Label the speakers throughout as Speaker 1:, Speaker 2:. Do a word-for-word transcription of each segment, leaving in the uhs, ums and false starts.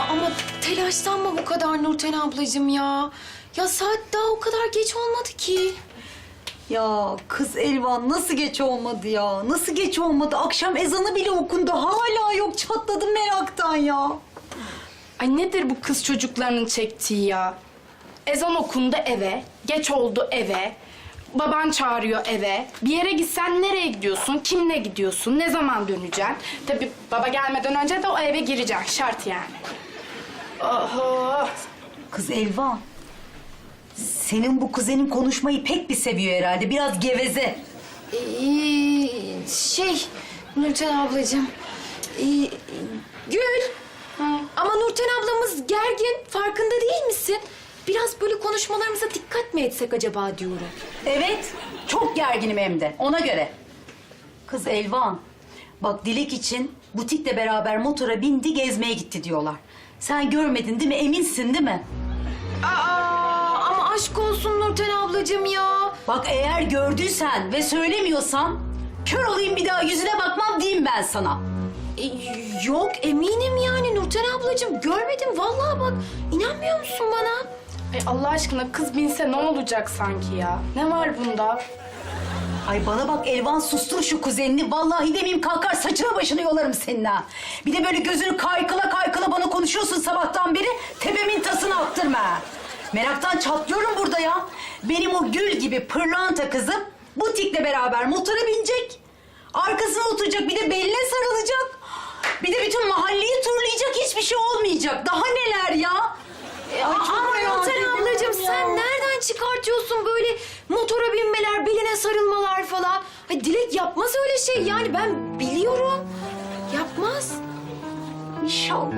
Speaker 1: ama telaşlanma bu kadar Nurten ablacığım ya. Ya saat daha o kadar geç olmadı ki.
Speaker 2: Ya kız Elvan nasıl geç olmadı ya? Nasıl geç olmadı? Akşam ezanı bile okundu. Hala yok, çatladım meraktan ya.
Speaker 3: Ay nedir bu kız çocuklarının çektiği ya? Ezan okundu eve, geç oldu eve. Baban çağırıyor eve. Bir yere gitsen nereye gidiyorsun, kimle gidiyorsun, ne zaman döneceksin? Tabii baba gelmeden önce de o eve gireceksin, şart yani. Oho!
Speaker 2: Kız Elvan, senin bu kuzenin konuşmayı pek bir seviyor herhalde. Biraz geveze.
Speaker 1: Ee, şey Nurten ablacığım. ee, Gül.
Speaker 3: Hı.
Speaker 1: Ama Nurten ablamız gergin. Farkında değil misin? Biraz böyle konuşmalarımıza dikkat mi etsek acaba diyorum.
Speaker 2: Evet, çok gerginim hem de. Ona göre. Kız Elvan, bak Dilek için butikle beraber motora bindi, gezmeye gitti diyorlar. Sen görmedin değil mi? Eminsin değil mi?
Speaker 1: Aa, ama aşk olsun Nurten ablacığım ya.
Speaker 2: Bak eğer gördüysen ve söylemiyorsan kör olayım bir daha yüzüne bakmam diyeyim ben sana.
Speaker 1: Ee, yok eminim yani Nurten ablacığım. Görmedim vallahi bak. İnanmıyor musun bana?
Speaker 3: Ay Allah aşkına kız binse ne olacak sanki ya? Ne var bunda?
Speaker 2: Ay bana bak Elvan, sustur şu kuzenini. Vallahi demeyeyim kalkar saçına başını yolarım senin ha. Bir de böyle gözünü kaykıla kaykıla bana konuşuyorsun sabahtan beri. Tepemin tasını attırma ha. Meraktan çatlıyorum burada ya. Benim o gül gibi pırlanta kızım butikle beraber motora binecek. Arkasına oturacak, bir de beline sarılacak. Bir de bütün mahalleyi turlayacak, hiçbir şey olmayacak. Daha neler ya?
Speaker 1: Ay, ama Nurten ablacığım sen nereden çıkartıyorsun böyle motora binmeler, beline sarılmalar falan? Ay Dilek yapmaz öyle şey yani ben biliyorum. Yapmaz.
Speaker 2: İnşallah.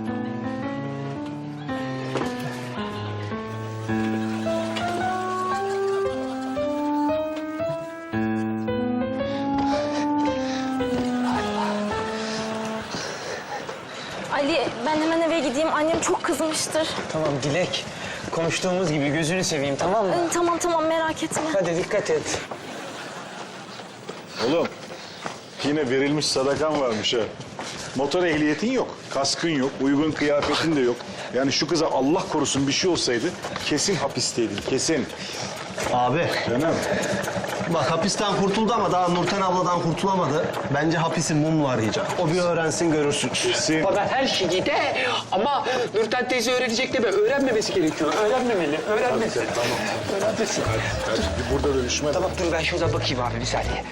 Speaker 4: Ali, ben hemen eve gideyim. Annem çok kızmıştır.
Speaker 5: Tamam Dilek. Konuştuğumuz gibi gözünü seveyim, tamam mı?
Speaker 4: Ee, Tamam tamam, merak etme.
Speaker 5: Hadi dikkat et.
Speaker 6: Oğlum, yine verilmiş sadakan varmış ha. Motor ehliyetin yok, kaskın yok, uygun kıyafetin de yok. Yani şu kıza Allah korusun bir şey olsaydı kesin hapisteydin, kesin.
Speaker 7: Abi,
Speaker 6: Canım.
Speaker 7: bak hapisten kurtuldu ama daha Nurten abladan kurtulamadı. Bence hapisin mumlu arayacak. O bir öğrensin, görürsün.
Speaker 6: Kesin.
Speaker 8: Baba her şeyi de ama Nurten teyze öğrenecek deme. Öğrenmemesi gerekiyor. Öğrenmemeli. Öğrenmesin.
Speaker 6: Tamam.
Speaker 8: Öğrenmesin.
Speaker 6: Hadi bir burada dönüşme.
Speaker 8: Tamam dur ben şuradan bakayım abi bir saniye.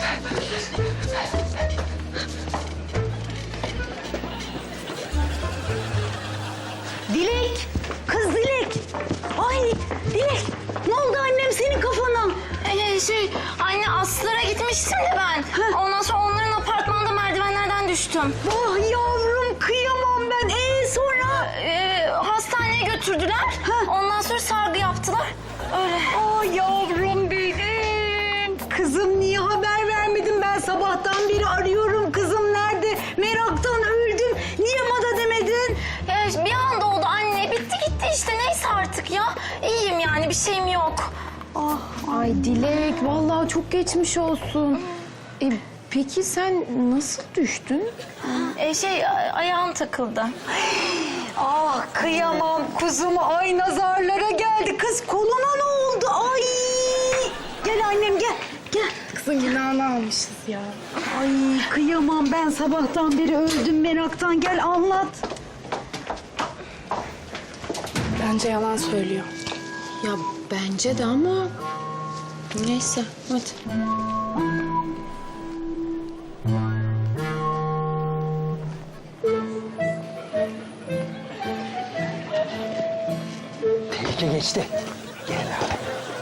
Speaker 2: Dilek, kız Dilek. Ay Dilek, ne oldu annem senin kafana?
Speaker 4: Ee, şey, anne Aslılara gitmiştim de ben. Ondan sonra onların apartmanda merdivenlerden düştüm.
Speaker 2: Ah yavrum, kıyamam ben. Ee sonra?
Speaker 4: Ee, hastaneye götürdüler. Ondan sonra sargı yaptılar. Öyle.
Speaker 2: Ay yavrum benim. Kızım niye haber vermedin? Ben sabahtan beri arıyorum. Kızım nerede? Meraktan öldüm. Niye bana demedin?
Speaker 4: Ya bir anda oldu anne. Bitti gitti işte. Neyse artık ya. İyiyim yani, bir şeyim yok.
Speaker 9: Ay Dilek, vallahi çok geçmiş olsun. E, peki sen nasıl düştün?
Speaker 4: Ee, şey, a- ayağım takıldı.
Speaker 2: Ah kıyamam kuzum. Ay nazarlara geldi. Kız koluna ne oldu? Ay. Gel annem gel. Gel.
Speaker 3: Kızın günahını almışız ya.
Speaker 2: Ay kıyamam, ben sabahtan beri öldüm meraktan. Gel anlat.
Speaker 3: Bence yalan söylüyor.
Speaker 9: Ya bence de ama neyse hadi.
Speaker 5: Tehlike geçti. Gel abi.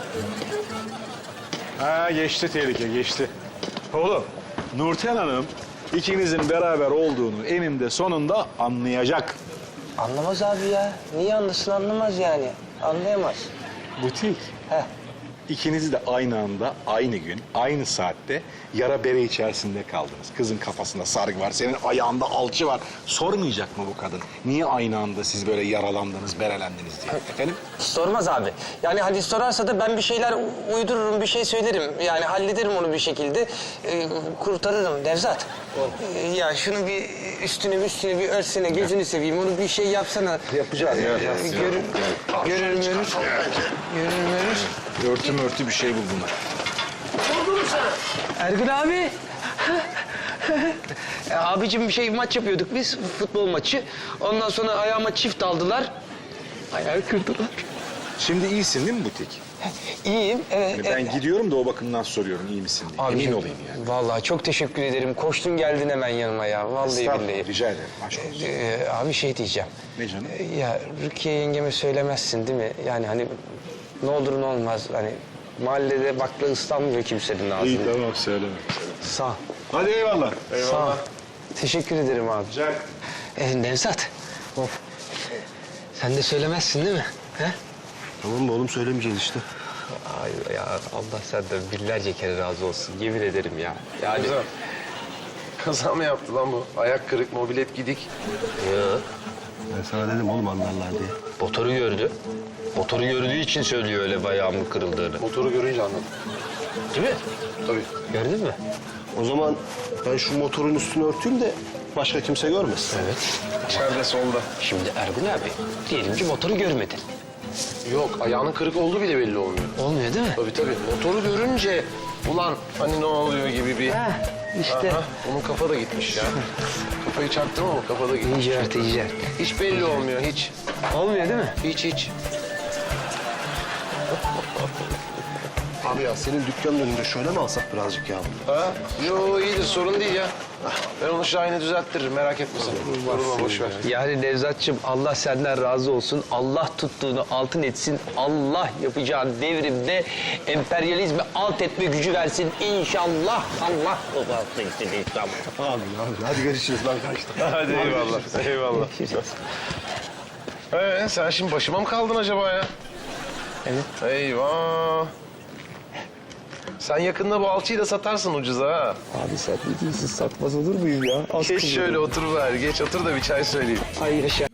Speaker 6: Ha geçti tehlike, geçti. Oğlum, Nurten Hanım ikinizin beraber olduğunu eninde sonunda anlayacak.
Speaker 5: Anlamaz abi ya. Niye anlasın, anlamaz yani. Anlayamaz.
Speaker 6: Butik.
Speaker 5: Heh.
Speaker 6: İkiniz de aynı anda, aynı gün, aynı saatte yara bere içerisinde kaldınız. Kızın kafasında sargı var, senin ayağında alçı var. Sormayacak mı bu kadın? Niye aynı anda siz böyle yaralandınız, berelendiniz diye? Efendim?
Speaker 5: Sormaz abi. Yani hani sorarsa da ben bir şeyler u- uydururum, bir şey söylerim. Yani hallederim onu bir şekilde. Ee, kurtarırım Nevzat. Ee, ya şunu bir üstüne bir üstüne bir örsene, gözünü seveyim. Onu bir şey yapsana.
Speaker 6: Yapacağız ya.
Speaker 5: Ee, görür, görür, görür. Görür, görür.
Speaker 6: Örtü mörtü bir şey buldular.
Speaker 5: Ergün abi. E, abicim bir şey maç yapıyorduk biz, futbol maçı. Ondan sonra ayağıma çift aldılar. Ayağı kırdılar.
Speaker 6: Şimdi iyisin değil mi butik?
Speaker 5: İyiyim, evet.
Speaker 6: Yani ben
Speaker 5: evet.
Speaker 6: gidiyorum da o bakımdan soruyorum iyi misin diye.
Speaker 5: Abicim,
Speaker 6: Emin olayım yani.
Speaker 5: Vallahi çok teşekkür ederim. Koştun geldin hemen yanıma ya. Vallahi
Speaker 6: Estağfurullah,
Speaker 5: billahi.
Speaker 6: rica ederim. Aşk olsun.
Speaker 5: Ee, abi şey diyeceğim.
Speaker 6: Ne canım?
Speaker 5: Ee, Ya Rukiye yengeme söylemezsin değil mi? Yani hani ne olur ne olmaz. Hani mahallede bakla ıslanmıyor kimsenin ağzını.
Speaker 6: İyi tamam söyleme.
Speaker 5: Sağ ol.
Speaker 6: Hadi eyvallah.
Speaker 5: Sağ ol. Teşekkür ederim abi.
Speaker 6: Güzel.
Speaker 5: Ee, Nevzat. Sen de söylemezsin değil mi? He?
Speaker 7: Tamam mı oğlum söylemeyeceğiz işte.
Speaker 5: Ay ya Allah senden binlerce kere razı olsun. Yemin ederim ya. Yani...
Speaker 10: Kaza mı yaptı lan bu? Ayak kırık, mobilet gidik.
Speaker 5: Yok.
Speaker 7: Ben sana dedim oğlum anlarlar diye.
Speaker 5: Motoru gördü. Motoru gördüğü için söylüyor öyle ayağımın kırıldığını.
Speaker 10: Motoru görünce anladım.
Speaker 5: Değil mi?
Speaker 10: Tabii.
Speaker 5: Gördün mü?
Speaker 7: O zaman ben şu motorun üstünü örteyim de başka kimse görmesin.
Speaker 5: Evet.
Speaker 10: İçeride solda.
Speaker 5: Şimdi Ergun abi diyelim ki motoru görmedin.
Speaker 10: Yok, ayağının kırık olduğu bile belli olmuyor.
Speaker 5: Olmuyor değil mi?
Speaker 10: Tabii tabii. Motoru görünce ulan hani ne oluyor gibi bir...
Speaker 5: Ha, işte.
Speaker 10: Aha, onun kafa da gitmiş ya. Kafayı çaktım ama kafa da gitmiş.
Speaker 5: İyice artı iyice.
Speaker 10: Hiç belli olmuyor, hiç.
Speaker 5: Olmuyor değil mi?
Speaker 10: Hiç hiç.
Speaker 7: Abi ya senin dükkanın önünde şöyle mi alsak birazcık ya?
Speaker 10: Ha? Yo iyidir, sorun değil ya. Ben onu Şahin'e düzelttiririm, merak etme sen. Durma, boş ver.
Speaker 5: Yani Nevzat'cığım Allah senden razı olsun. Allah tuttuğunu altın etsin. Allah yapacağın devrimde emperyalizmi alt etme gücü versin. İnşallah. Allah rızası için inşallah.
Speaker 7: Abi abi hadi görüşürüz lan kaçtı.
Speaker 10: Hadi eyvallah, eyvallah. Ee, sen şimdi başıma mı kaldın acaba ya?
Speaker 5: Evet.
Speaker 10: Eyvah. Sen yakında bu alçıyı da satarsın ucuza ha.
Speaker 5: Abi sen ne diyorsun? Satmaz olur muyum ya? Az
Speaker 10: Geç şöyle otur ver. Geç otur da bir çay söyleyeyim.
Speaker 5: Ay yaşa.